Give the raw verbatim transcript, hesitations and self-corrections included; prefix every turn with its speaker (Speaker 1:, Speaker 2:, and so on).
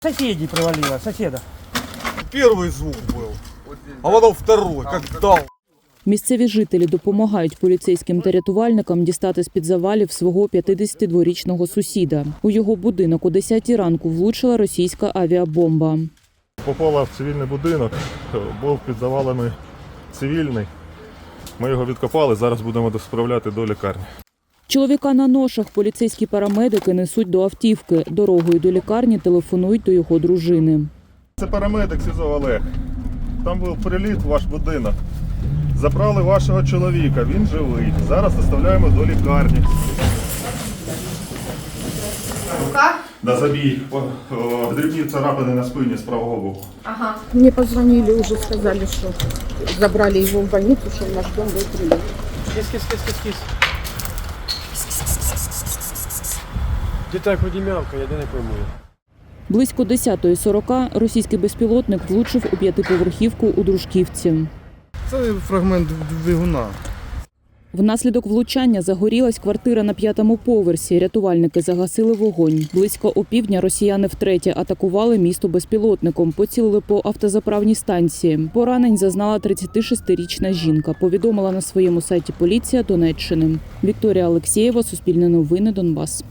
Speaker 1: Соседей привалило, соседа.
Speaker 2: Первый звук был, а потом второй, как дал.
Speaker 3: Місцеві жителі допомагають поліцейським та рятувальникам дістати з-під завалів свого п'ятдесятидворічного сусіда. У його будинок о десятій ранку влучила російська авіабомба.
Speaker 4: Попала в цивільний будинок, був під завалами цивільний. Ми його відкопали, зараз будемо справляти до лікарні.
Speaker 3: Чоловіка на ношах поліцейські парамедики несуть до автівки. Дорогою до лікарні телефонують до його дружини.
Speaker 4: Це парамедик СІЗО Олег. Там був приліт в ваш будинок. Забрали вашого чоловіка, він живий. Зараз доставляємо до лікарні.
Speaker 5: Рука?
Speaker 4: Да, забій. О, о, дрібні царапини на спині з правого боку.
Speaker 5: Ага.
Speaker 6: Мне позвонили, уже сказали, что забрали его в больницу, что в наш дом был прилет.
Speaker 1: Кис, кис, кис, кис, кис. Де так вроді мявка, я де не пойму.
Speaker 3: Близько десятої сорока російський безпілотник влучив у п'ятиповерхівку у Дружківці.
Speaker 2: Це фрагмент двигуна.
Speaker 3: Внаслідок влучання загорілась квартира на п'ятому поверсі. Рятувальники загасили вогонь. Близько опівдня росіяни втретє атакували місто безпілотником. Поцілили по автозаправній станції. Поранень зазнала тридцятишестирічна жінка. Повідомила на своєму сайті поліція Донеччини. Вікторія Алексєєва, Суспільне новини, Донбас.